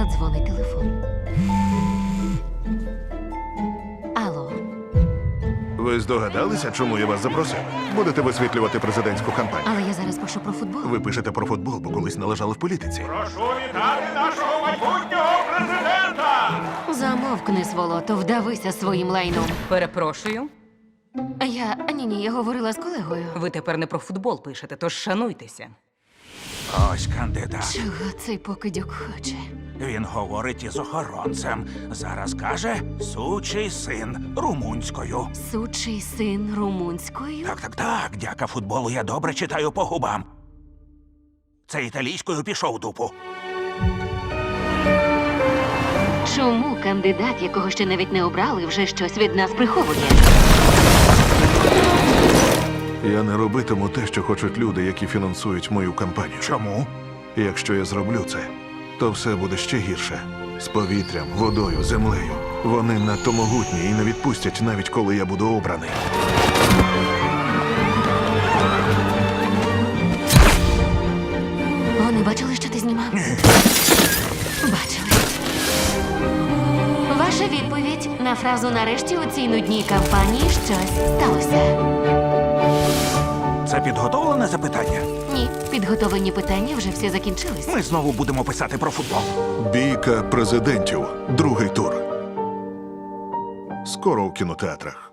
Задзвонить телефон. Алло. Ви здогадалися, чому я вас запросив? Будете висвітлювати президентську кампанію. Але я зараз пишу про футбол. Ви пишете про футбол, бо колись належали в політиці. Прошу вітати нашого майбутнього президента! Замовкни, сволото, вдавися своїм лайном. Перепрошую, Ні, я говорила з колегою. ви тепер не про футбол пишете, тож шануйтеся. Ось кандидат. Чого цей покидьок хоче? Він говорить із охоронцем. Зараз каже «сучий син» румунською. Сучий син румунською? Так, дяка футболу я добре читаю по губам. Це італійською пішов дупу. Чому кандидат, якого ще навіть не обрали, вже щось від нас приховує? Я не робитиму те, що хочуть люди, які фінансують мою кампанію. Чому? Якщо я зроблю це, то все буде ще гірше. З повітрям, водою, землею. Вони надто могутні і не відпустять, навіть коли я буду обраний. Вони бачили, що ти знімав? Бачили. Ваша відповідь на фразу «нарешті у цій нудній кампанії щось сталося». Це підготовлене запитання? Ні, підготовлені питання вже всі закінчились. Ми знову будемо писати про футбол. Бійка президентів. Другий тур. Скоро у кінотеатрах.